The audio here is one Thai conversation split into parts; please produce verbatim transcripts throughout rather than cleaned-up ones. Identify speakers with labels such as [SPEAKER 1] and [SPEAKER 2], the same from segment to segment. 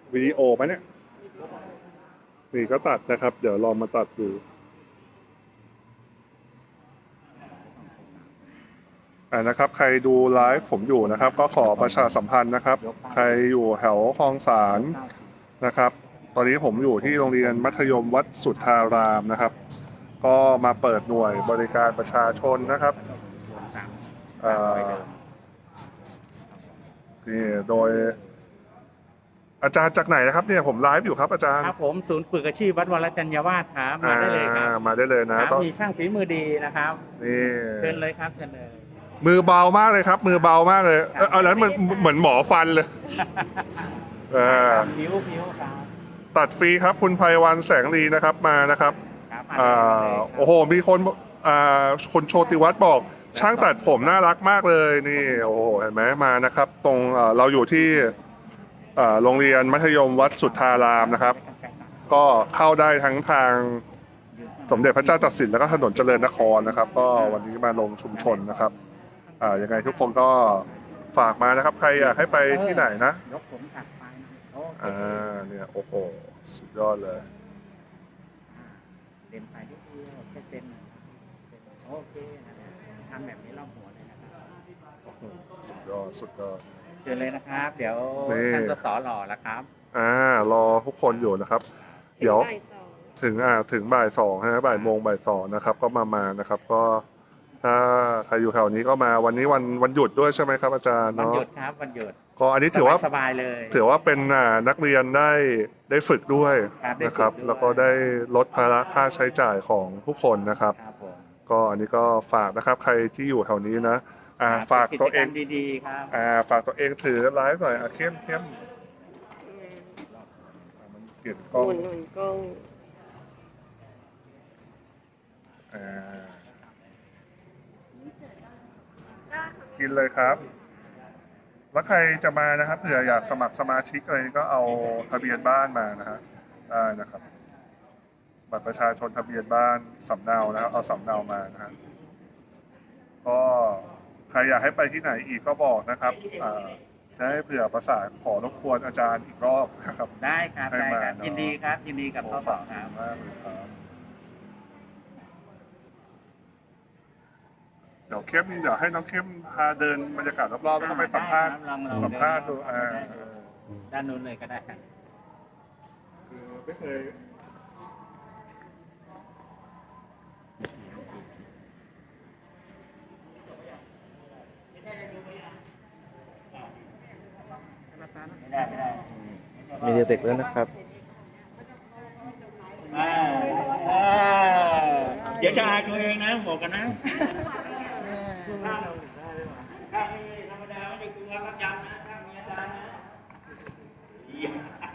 [SPEAKER 1] วิดีโอไหมเนี่ยนี่ก็ตัดนะครับ เดี๋ยวลองมาตัดดูอ่านะครับใครดูไลฟ์ผมอยู่นะครับ ก็ขอประชาสัมพันธ์นะครับ ใครอยู่แถวคลองสารนะครับ ตอนนี้ผมอยู่ที่โรงเรียนมัธยมวัดสุทธารามนะครับ ก็มาเปิดหน่วยบริการประชาชนนะครับอ่านี่โดยอาจารย์จากไหนนะครับเนี่ยผมไลฟ์อยู่ครับอาจารย์
[SPEAKER 2] ครับผมศูนย์ฝึกอาชีพวัดวรจัญญาวาสครับมาได้เลยครับ
[SPEAKER 1] มาได้เลยนะครับต้อง
[SPEAKER 2] มีช่างฝีมือดีนะครับ
[SPEAKER 1] นี่
[SPEAKER 2] เชิญเลยครับเชิญเลย
[SPEAKER 1] มือเบามากเลยครับ มือเบามากเลยเออเอาแล้วมันเหมือนหมอฟันเลยเออ
[SPEAKER 2] ผิวผิวครับ
[SPEAKER 1] ตัดฟรีครับคุณไพวันแสงลีนะครับมานะครับ
[SPEAKER 2] ครับ
[SPEAKER 1] อ่าโอ้โหมีคนอ่าคนโชติวัฒน์บอกช่างตัดผมน่ารักมากเลยนี่โอ้โหเห็นไหมมานะครับ ตรงเอ่อเราอยู่ที่เอ่อโรงเรียนมัธยมวัดสุทธารามนะครับ ก็เข้าได้ทั้งทางสมเด็จพระเจ้าตากสินแล้วก็ถนนเจริญนครนะครับ ก็วันนี้มาลงชุมชนนะครับอ่ายังไงทุกคนก็ฝากมานะครับ ใครอยากให้ไปที่ไหนนะ
[SPEAKER 2] ยกผมตัดไปโอเค
[SPEAKER 1] อ่าเนี่ยโอ้โหสุดยอดเลย
[SPEAKER 2] เต็มไปนิดเดียวแค่เซ็นโอเคทำแบบนี้รอบหัวเลยนะครับ
[SPEAKER 1] สุดยอดสุดยอด
[SPEAKER 2] เชิญเลยนะครับ เดี๋ยว
[SPEAKER 1] นี่
[SPEAKER 2] ท่านสสหล่อแล้วครับ
[SPEAKER 1] อ่ารอทุกคนอยู่นะครับ เดี๋ยว
[SPEAKER 3] บ่ายสอง
[SPEAKER 1] ถึงอ่าถึงบ่ายสองฮะบ่ายโมงบ่ายสองนะครับ ก็มามานะครับ ก็ถ้าใครอยู่แถวนี้ก็มาวันนี้วันวันหยุดด้วยใช่ไหมครับอาจารย์
[SPEAKER 2] วัน
[SPEAKER 1] เนาะ
[SPEAKER 2] หยุดครับวันหยุด
[SPEAKER 1] ก็อันนี้ถือว่า
[SPEAKER 2] สบายๆเลย
[SPEAKER 1] ถือว่าเป็นอ่านักเรียนได้ได้ฝึกด้วย
[SPEAKER 2] ครับได้ฝึก
[SPEAKER 1] นะครับ
[SPEAKER 2] ด้วย
[SPEAKER 1] แล้วก็ได้ลดภาระค่าใช้จ่ายของทุกคนนะครับ
[SPEAKER 2] ครับผม
[SPEAKER 1] ก็อันนี้ก็ฝากนะครับใครที่อยู่แถวนี้นะอ่า
[SPEAKER 2] ครับ
[SPEAKER 1] ฝากตัวเอง
[SPEAKER 2] กิจกรรมดีๆครับ
[SPEAKER 1] อ่าฝากตัวเองถือไลฟ์หน่อยอ่ะเข้มเข้มอ่ามันเปลี่ยนกล้อง
[SPEAKER 3] หมุนหมุนกล้อง
[SPEAKER 1] อ่ากินเลยครับ แล้วใครจะมานะครับเผื่ออยากสมัครสมาชิกอะไรก็เอาทะเบียนบ้านมานะฮะได้นะครับ บัตรประชาชนทะเบียนบ้านสำเนานะครับ เอาสำเนามานะฮะก็ใครอยากให้ไปที่ไหนอีกก็บอกนะครับอ่าจะให้เผื่อประสานขอรบกวนอาจารย์อีกรอบนะครับ
[SPEAKER 2] ได้ครับ
[SPEAKER 1] ให้
[SPEAKER 2] ได้
[SPEAKER 1] มา
[SPEAKER 2] ครับ
[SPEAKER 1] เนอะ
[SPEAKER 2] ยินดีครับยินดีกับสสครับ
[SPEAKER 1] มากเลยครับเดี๋ยวเข้มเดี๋ยวให้น้องเข้มพาเดินบรรยากาศรอบๆแล้วก็ไปสัมภาษณ์
[SPEAKER 2] ได้ครับลองๆ
[SPEAKER 1] สัมภาษณ์ดูอ่า
[SPEAKER 2] ได้ครับ ด้านนู้นเลยก็ได้ครับ
[SPEAKER 1] คือไม่เคย
[SPEAKER 2] ไม่ได้ไม่ได้
[SPEAKER 4] มีเด็กๆด้วยนะครับ
[SPEAKER 2] อ่าอ่าเดี๋ยวจะอายตัวเองนะบอกกันนะข้างข้างนี้ธรรมดาไม่ได้กลัวรับยำนะข้างมีอาจารย์นะเยี่ยม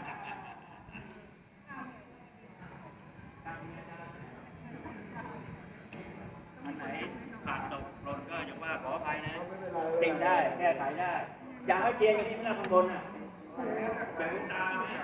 [SPEAKER 2] อันไหนขาดตกหล่นก็อย่าว่าขออภัยนะติงได้แก้ไขได้อยากให้เจียนอย่างนี้ไม่น่าข้างบนอ่ะเจอตาไหม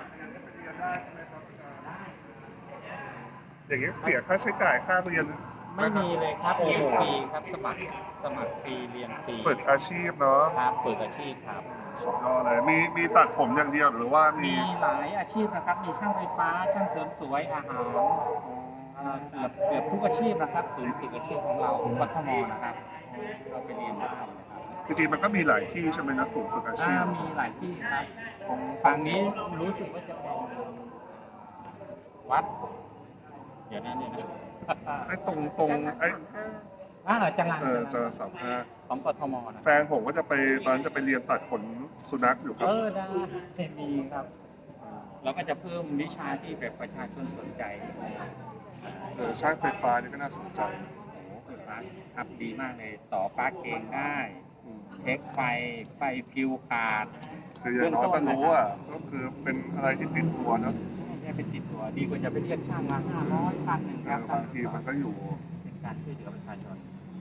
[SPEAKER 1] อย่างนี้เสียค่าใช้จ่ายค่าเรียน
[SPEAKER 2] ไม่มีเลยครับ
[SPEAKER 1] โอ้
[SPEAKER 2] เรียน
[SPEAKER 1] โห
[SPEAKER 2] ฟรีครับสมัครสมัครฟรีเรียนฟรี
[SPEAKER 1] ฝึกอาชีพเนาะ
[SPEAKER 2] ครับฝึกอาชีพครับ
[SPEAKER 1] สุดยอดเลยมีมีตัดผมอย่างเดียวหรือว่ามี
[SPEAKER 2] มีหลายอาชีพนะครับ มีช่างไฟฟ้าช่างเสริมสวยอาหารเอ่อเกือบเกือบทุกอาชีพนะครับศูนย์ฝึกอาชีพของเราวัฒนมนะครับเราไปเรียนได้นะครับ
[SPEAKER 1] จริงๆมันก็มีหลายที่ใช่ไหมนะศูนย์ฝึกอาชี
[SPEAKER 2] อ่า
[SPEAKER 1] พ
[SPEAKER 2] มีหลายที่ครับของฝั่งนี้รู้สึกว่าจะเป็นวัด เดี๋ยวนะเดี๋ยวนะ
[SPEAKER 1] ไอ้ตรงตรงไอ้
[SPEAKER 2] อ่าจังหวัด
[SPEAKER 1] เออเจอสามห้า
[SPEAKER 2] ของกทมนะ
[SPEAKER 1] แฟนผมก็จะไปตอนนนจะไปเรียนตัดขนสุนัขอยู่ครับ
[SPEAKER 2] เออได้ดีครับ เราก็จะเพิ่มวิชาที่แบบประชาชนสนใจ
[SPEAKER 1] เออช่างไฟฟ้านี่ก็น่าสนใจ
[SPEAKER 2] โอ้โหไฟฟ้าครับดีมากเลย ต่อปลั๊กเองได้
[SPEAKER 1] อืม
[SPEAKER 2] เช็คไฟ ไฟฟิวขาด
[SPEAKER 1] คืออย่างน้อยก็รู้อ่ะก็คือเป็นอะไรที่ติดตัวเนอะ
[SPEAKER 2] ไม่ได้เป็นติดตัว ดีกว่าจะไปเรียกช่างมาห้าร้อยพันหนึ่ง
[SPEAKER 1] เอ
[SPEAKER 2] ครับ
[SPEAKER 1] อบางทีมันก็อยู่
[SPEAKER 2] เป็นการช่วยเหลือประชาชน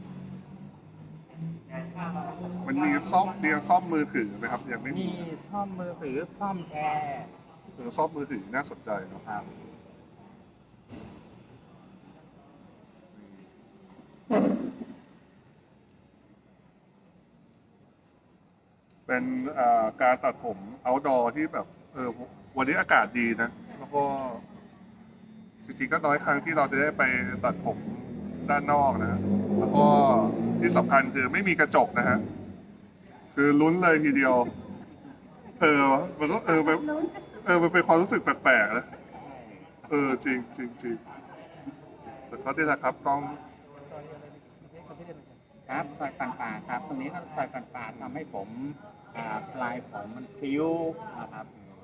[SPEAKER 1] มันมีซ่อมเรียนซ่อมมือถือไหมครับยังไม่มี
[SPEAKER 2] มีซ่อมมือถือซ่อมแอร์
[SPEAKER 1] คือซ่อมมือถือน่าสนใจเนาะ
[SPEAKER 2] ครับ
[SPEAKER 1] เป็นอ่าการตัดผม outdoor ที่แบบเออวันนี้อากาศดีนะ แล้วก็จริงๆก็น้อยครั้งที่เราจะได้ไปตัดผมด้านนอกนะ แล้วก็ที่สำคัญคือไม่มีกระจกนะฮะ คือลุ้นเลยทีเดียว เออมันก็เออมันเออมันเป็นความรู้สึกแปลกๆนะ เออจริงจริงจริงแต่เขาได้ละครับต้อง
[SPEAKER 2] ครับซอยปันป่าครับ ตรงนี้ก็ซอยปันป่าทำให้ผมอ่าปลายผมมันพลิ้วนะครับ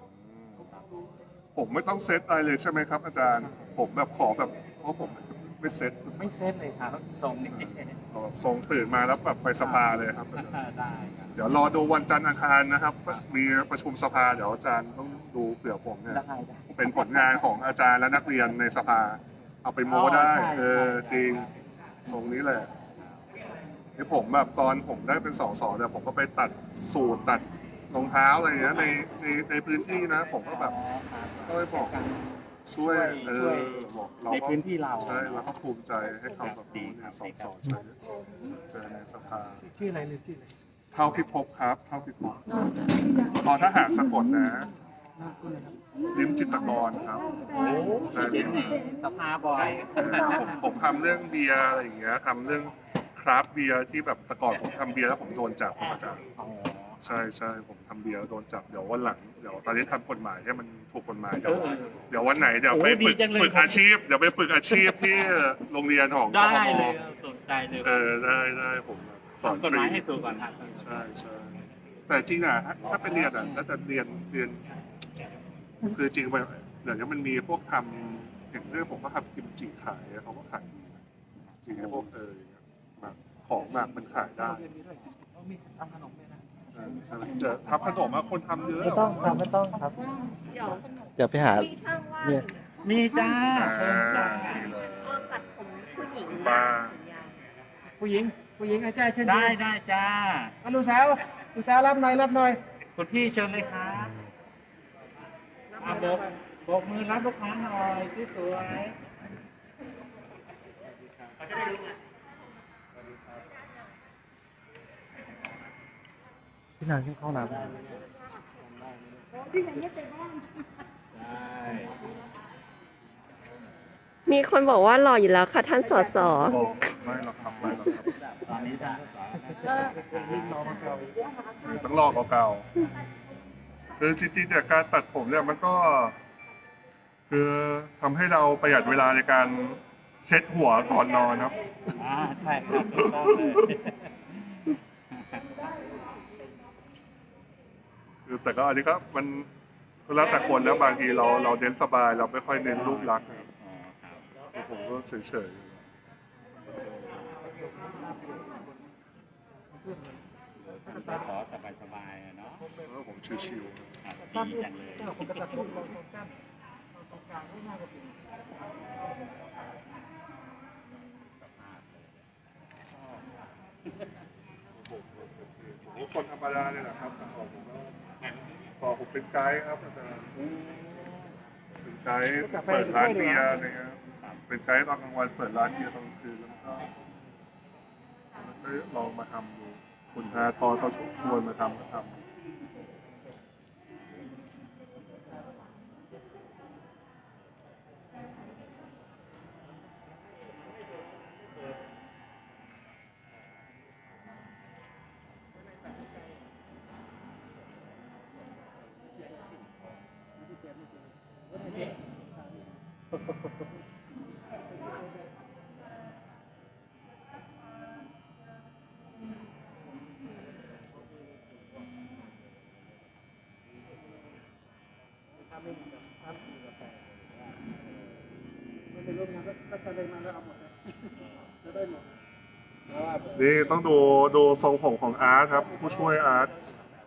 [SPEAKER 1] ผมไม่ต้องเซตอะไรเลยใช่ไหมครับ อาจารย์ ผมแบบขอแบบเพราะผมไม่เซต
[SPEAKER 2] ไม่เซ็ตเลยครับทรงนี้
[SPEAKER 1] เอาแบบทรงตื่นมาแล้วแบบไปสภาเลยครับ
[SPEAKER 2] ได้ครับ
[SPEAKER 1] เดี๋ยวรอดูวันจันทร์อังคารนะครับ มีประชุมสภาเดี๋ยวอาจารย์ต้องดูเผื่อผมเนี่ย
[SPEAKER 2] ได้ได้
[SPEAKER 1] เป็นผลงานของอาจารย์และนักเรียนในสภา เอาไปโม้ได้
[SPEAKER 2] ใช่
[SPEAKER 1] เออ
[SPEAKER 2] ใช่
[SPEAKER 1] จริง
[SPEAKER 2] ใช่
[SPEAKER 1] ทรงนี้แหละที่ผมแบบตอนผมได้เป็นสสเนี่ยผมก็ไปตัดสูตรตัดรองเท้าอะไรอย่างเงี้ยในในในพื้นที่นะ ผมก็แบบ ก็เลยบอก ช่วยเอ
[SPEAKER 2] ช่วย
[SPEAKER 1] อบอกเรา
[SPEAKER 2] ใน
[SPEAKER 1] ก็
[SPEAKER 2] พื้นที่เรา
[SPEAKER 1] ใช่เราก็ภูมิใจให้เขาแบบนี้เนี่ยสสใช้เจอในสภา
[SPEAKER 3] ชื่ออะไรหรือชื่ออะไร
[SPEAKER 1] เท่าพิภพครับ เท่าพิภพตอนทหารสะกดนะ
[SPEAKER 3] นามคุณนะครับ
[SPEAKER 1] ลิ้มจิตรกรครับ
[SPEAKER 2] โอ้เจ๋งนี่สภาบ่อย
[SPEAKER 1] ผมผมทำเรื่องเบียร์อะไรอย่างเงี้ยทำเรื่องคราฟต์เบียร์ที่แบบแต่ก่อนผมทำเบียร์แล้วผมโดนจับครับอาจารย์
[SPEAKER 2] อ๋อ
[SPEAKER 1] ใช่ใช่ผมทำเบียร์แล้วโดนจับเดี๋ยววันหลังเดี๋ยวตอนนี้ทำกฎหมายให้มันถูกกฎหมายเดี๋ยวเดี๋ยววันไหนเดี๋ยวไปฝึกฝึกอาชีพเดี๋ยวไปฝึกอาชีพที่โรงเรียนของก
[SPEAKER 2] ได้
[SPEAKER 1] ทม
[SPEAKER 2] เลยสนใจเลย
[SPEAKER 1] เออได้ได้ผมสอน
[SPEAKER 2] ทำกฎ
[SPEAKER 1] ฟ
[SPEAKER 2] ห
[SPEAKER 1] รี
[SPEAKER 2] มายให้ถูกก่อนครับ
[SPEAKER 1] ใช่ใช่แต่จริงอ่ะถ้าถ้าเป็นเรียนอ่ะแล้วแต่เรียนเรียนคือจริงไปเดี๋ยวนี้มันมีพวกทำอย่างเรื่องผมก็ทำกิมจิขายเขาก็ขายดีนะจริงไอ้พวกเอออย่างเงี้ยหมักของหมักมันขายได้
[SPEAKER 3] เรียนมีด้วยเขามีทำขนมด้วยนะ
[SPEAKER 1] เออใช่ไหมแต่ทำขนมอะคนทำเยอะ
[SPEAKER 4] ไม่ต้องครับไม่ต้องครับ
[SPEAKER 5] เดี๋ยว
[SPEAKER 4] เดี๋ยวไปหา
[SPEAKER 5] มีช่างว่าง
[SPEAKER 4] เนี่ย
[SPEAKER 2] มีจ้า
[SPEAKER 1] อ่า
[SPEAKER 2] เชิญจ้า
[SPEAKER 1] ดีเลย
[SPEAKER 5] ก็ตัดผมผู้หญิง
[SPEAKER 1] บ้า
[SPEAKER 3] ผู้หญิง ผู้หญิงอาจารย์เชิญ
[SPEAKER 2] ได้ได้จ้า
[SPEAKER 3] อ่ะลูกสาวลูกสาวรับหน่อยรับหน่อย
[SPEAKER 2] คุณพี่เชิญเลยครับอ่ะโบกโบกมือรับลูกค้าหน่อยสวยๆเขาจะได้รู้ไง
[SPEAKER 4] พี่นางขึ้นเข้าน้ำ
[SPEAKER 5] พี่นันเนี่ยใจบ้าน
[SPEAKER 2] ได้
[SPEAKER 6] มีคนบอกว่าหล่ออยู่แล้วค่ะท่านสส
[SPEAKER 1] บอกไม่หรอกทำไม่หรอกครับ
[SPEAKER 2] ตอนนี้ได้
[SPEAKER 1] ต้องลอกเก่าๆคือจริงๆเนี่ยการตัดผมเนี่ยมันก็ คือทำให้เราประหยัดเวลาในการเช็ดหัวก่อนนอนครับ
[SPEAKER 2] อ่าใช่ครับถูกต้องเลย
[SPEAKER 1] คือแต่ก็อันนี้ก็มันแล้วแต่คนแล้วบางทีเราเราเน้นสบายเราไม่ค่อยเน้นรูปลักษณ์นะครับ
[SPEAKER 2] อ๋อครับ
[SPEAKER 1] ผมก็เฉย
[SPEAKER 2] ขอสบายๆอะเนาะ
[SPEAKER 1] ๆแล้วผมชิว
[SPEAKER 2] ครับดีจังเลย
[SPEAKER 3] เจ้าผมกระตัดรูปลงตรงสั้นตรงกลางไม่น่าจะเป็น
[SPEAKER 1] ๆผมคนธรรมดาเนี่ยแหละครับแต่ก่อนผมก็พอผมเป็นไกด์ครับอาจารย์เป็นไกด์เปิดร้านเบียร์อะไรเงี้ยเป็นไกด์ตอนกลางวันเปิดร้านเบียร์ตอนกลางคืนแล้วก็ก็ลองมาทำดูคุณฮาทอเขาชวนมาทำก็ทำ นี่ต้องดูดูทรงผมของอาร์ตครับ ผู้ช่วยอาร์ต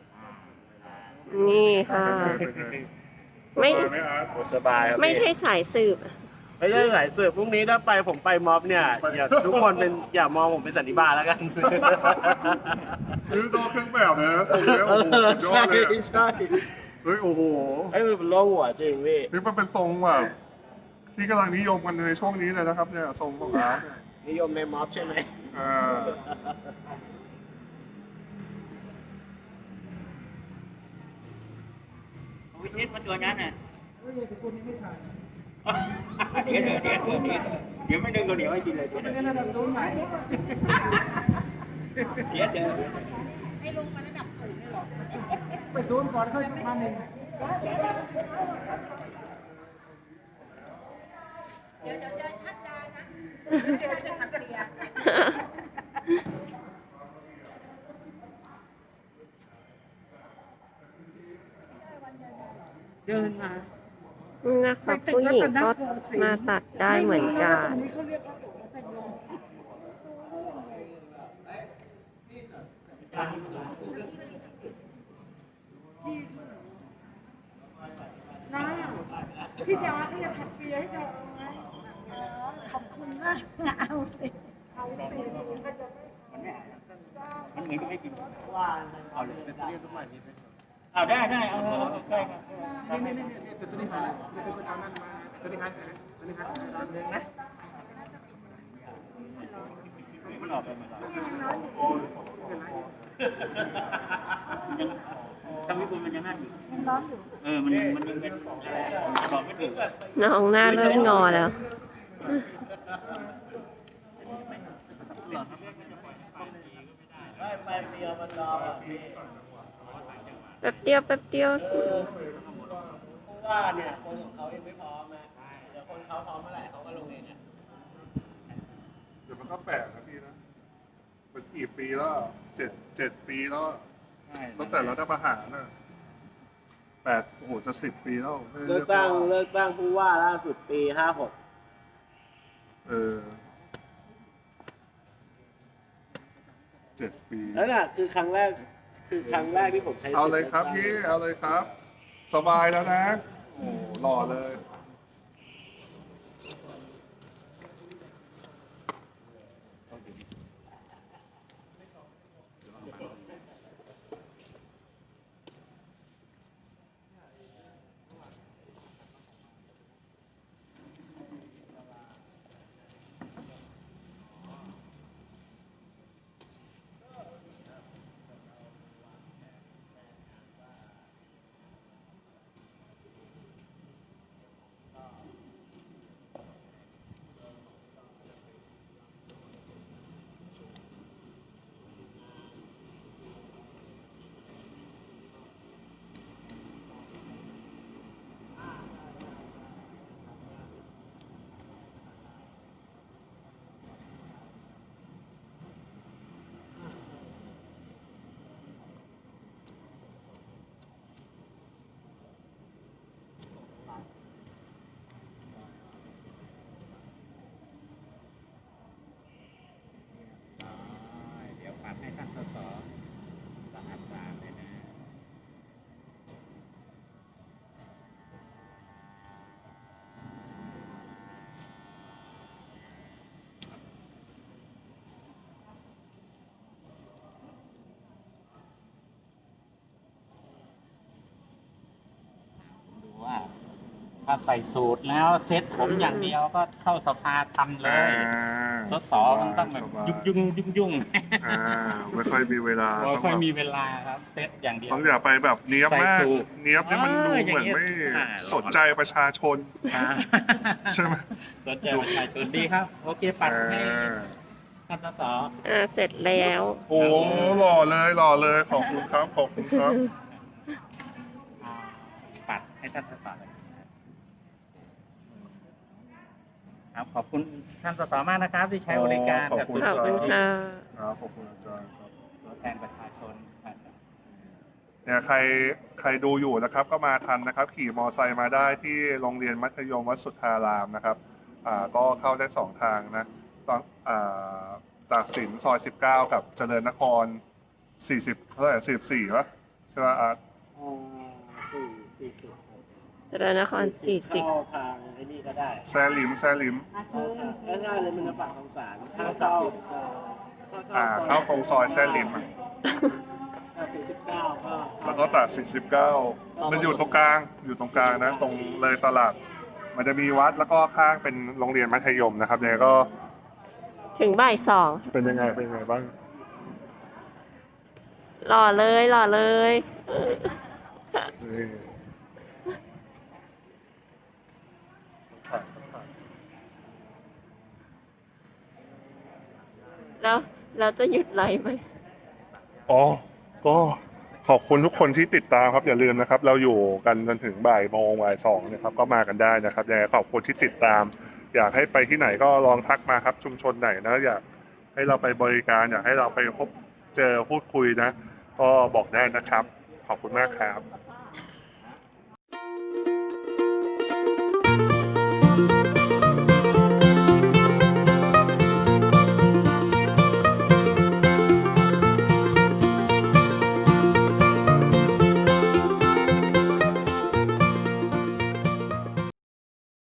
[SPEAKER 6] นี่ค่ะ
[SPEAKER 1] เป็นไง
[SPEAKER 6] ไม่
[SPEAKER 1] สบายไหมอาร์ต
[SPEAKER 7] สบายครับ
[SPEAKER 6] ไม่
[SPEAKER 7] พี่
[SPEAKER 6] ใช่สายสืบ
[SPEAKER 7] ไม่ใช่สายสืบพรุ่งนี้ถ้าไปผมไปม็อบเนี่ยอย่าทุกคนเป็นอย่ามองผมเป็นสันนิบาตแล้วกัน
[SPEAKER 1] นี่ตัวเครื่องแบบนะตรงนี้โอ้โหสุดยอ
[SPEAKER 7] ใช่
[SPEAKER 1] ดเลยอะ
[SPEAKER 7] ใช่
[SPEAKER 1] เฮ้ยโอ้โห
[SPEAKER 7] ไอ้ยมันเป็นโล่งหัวจริงพี่
[SPEAKER 1] นี่มันเป็นทรงแบบที่กำลังนิยมกันในช่วงนี้เลยนะครับเนี่ยทรงของอาร์ตเนี่ย
[SPEAKER 7] นิยมในม็อบใช่ไหม
[SPEAKER 1] อ่า
[SPEAKER 2] วิชิตมาตัวนั้นน่ะ
[SPEAKER 3] เฮ้ยแต่คนนี้ไม่ถ่าย
[SPEAKER 2] เดี๋ยวเดี๋ยวเดี๋ยวเดี๋ยวเดี๋ยวเดี๋ยวไม่ดึงก็เดี๋ยวให้กินเลยเดี๋ยว
[SPEAKER 3] ไม่
[SPEAKER 2] เดี๋ยว
[SPEAKER 3] ได้ระดับสูงไหน
[SPEAKER 2] เดี๋ยวเดี๋ยว
[SPEAKER 5] ให้ลงมาระดับสูงเลยเหรอ
[SPEAKER 3] ไปสูงก่อนค่อยมาหนึ่ง
[SPEAKER 5] เดี๋ยวเดี๋ยวจะชัดดานะเดี๋ยวจะทักเรีย
[SPEAKER 3] เดินมา
[SPEAKER 6] นะคะผู้หญิงก็มาตัดได้เหมือนกัน
[SPEAKER 3] นี้เขาเรียกว่าโตมัธยมน้าพี่ดาเขาอยากถักเปียให้เราเอาไหมขอบคุณนะเอาสิเอาสิ
[SPEAKER 2] มันเนี่ยมันเหมือนกับไม่กิน
[SPEAKER 7] ว่าเอาเลยจะเรียกทุกวันนี้
[SPEAKER 2] เอาได้ได้เอาเอาเอาได้ครับ
[SPEAKER 3] นี่นี่นี่ตัวนี้มาแล้วตัวนี้เอานั่นมาตัวนี้หันตัวนี้หันตอนนึงนะ
[SPEAKER 2] มันออกไปมันออกทำให้คุณมันยังนั่นอยู่มันร้อนอยู่เออมันมันยังเป็นบอกไม่ถูก
[SPEAKER 6] น้องหน้าเริ่มงอแล้ว
[SPEAKER 7] ไปเดียวมันรอแบบนี้
[SPEAKER 6] แป๊บเดียวแป๊บเดียว
[SPEAKER 7] เพราะว่าเนี่ยคนของเขายังไม่พร้อมนะเดี๋ยวคนเขาพร้อมเมื่อไหร่เขาก็ลงเองเนี่ย
[SPEAKER 1] เดี๋ยวมันก็แปลกนะพี่นะเป็นกี่ปีแล้วเจ็ดเจ็ดปีแล้วตั้งแต่รัฐประหารน่ะแปดโอ้โหจะสิบปีแล้วไม่ได้
[SPEAKER 7] เลือกตั้งเลือกตั้งผู้ว่าล่าสุดปีห้าหก
[SPEAKER 1] เออเจ็ดปี
[SPEAKER 7] แล้วน่ะคือครั้งแรกคือครั้งแรกที่ผมใช้
[SPEAKER 1] เอาเลยครับพี่เอาเลยครับ สบายแล้วนะ โอ้หล่อเลย
[SPEAKER 2] เดี๋ยวปัดให้ท่านสสสะอาดสะอาดเลยนะ ดูว่า ถ้าใส่สูตรแล้วเซ็ตผมอย่างเดียวก็เข้าสภาทันเลย สสมันต้องแบบยุ่งยุ่งยุ่งยุ่ง
[SPEAKER 1] อ่าไม่ค่อยมีเวลา
[SPEAKER 2] ไม่
[SPEAKER 1] ต้อง
[SPEAKER 2] ค่อย
[SPEAKER 1] แบบ
[SPEAKER 2] มีเวลาครับเซตอย่างเดียว
[SPEAKER 1] ต้องอย่าไปแบบเนี้ยบมาก
[SPEAKER 2] ใส่สูท
[SPEAKER 1] เนี้ยบนี่มันดู
[SPEAKER 2] เออ
[SPEAKER 1] เหมือนไม่
[SPEAKER 2] อย่างเงี้ยอ่า
[SPEAKER 1] สนใจประชาชน
[SPEAKER 2] อ่า
[SPEAKER 1] ใช่ไหม
[SPEAKER 2] สนใจประชาชนดีครับ โอเคปัดให้
[SPEAKER 1] อ่า
[SPEAKER 2] ท่านสส
[SPEAKER 6] อ่าเสร็จแล้ว
[SPEAKER 1] โอ้หล่อเลยหล่อเลยขอบคุณครับขอบคุณครับ
[SPEAKER 2] อ่าปัดให้ท่านสสเลยครับขอบคุณท่านสสมากนะครับ ที่ใช้บริการ
[SPEAKER 1] ขอบ
[SPEAKER 2] กับ
[SPEAKER 1] คุณ
[SPEAKER 6] ขอบคุณค่ะ
[SPEAKER 1] ครับขอบคุณอาจารย์ครับ
[SPEAKER 2] ตัวแทนประชาชนครับ
[SPEAKER 1] เนี่ยใครใครดูอยู่นะครับ ก็มาทันนะครับ ขี่มอไซค์มาได้ที่โรงเรียนมัธยมวัดสุทธารามนะครับอ่าก็เข้าได้สองทางนะตอนอ่าตากสินซอยสิบเก้ากับเจริญนครสี่สิบเท่าไหร่สี่สิบสี่วะใช่ไหมอาร์ต
[SPEAKER 7] อ่าสี่สี่สิบ
[SPEAKER 6] เจริญนครสี่สิบ
[SPEAKER 7] เข้าทางไอ้นี่ก็ได้
[SPEAKER 1] แซลิมแซลิม
[SPEAKER 7] ถ้าถ้าเลยมันจะฝั่งของสารถ้าเข้า
[SPEAKER 1] อ่าเข้าตรงซอยแซลิมอะ
[SPEAKER 7] สี่สิบเก้าก็
[SPEAKER 1] แล้วก็ตัดสี่สิบเก้ามันอยู่ตรงกลางอยู่ตรงกลางนะ ตรงเลยตลาด มันจะมีวัดแล้วก็ข้างเป็นโรงเรียนมัธยมนะครับเนี่ยก็
[SPEAKER 6] ถึงบ่ายสอง
[SPEAKER 1] เป็นยังไงเป็นยังไงบ้าง
[SPEAKER 6] หล่อเลยหล่อเลย
[SPEAKER 1] นี่
[SPEAKER 6] แล้วแล้วจะหยุดไลฟ์ไหม
[SPEAKER 1] อ๋อ ก็ขอบคุณทุกคนที่ติดตามครับอย่าลืมนะครับ เราอยู่กันจนถึงบ่ายโมงบ่ายสองนะครับ ก็มากันได้นะครับยังไงขอบคุณที่ติดตาม อยากให้ไปที่ไหนก็ลองทักมาครับ ชุมชนไหนนะอยากให้เราไปบริการ อยากให้เราไปพบเจอพูดคุยนะ ก็บอกได้นะครับ ขอบคุณมากครับ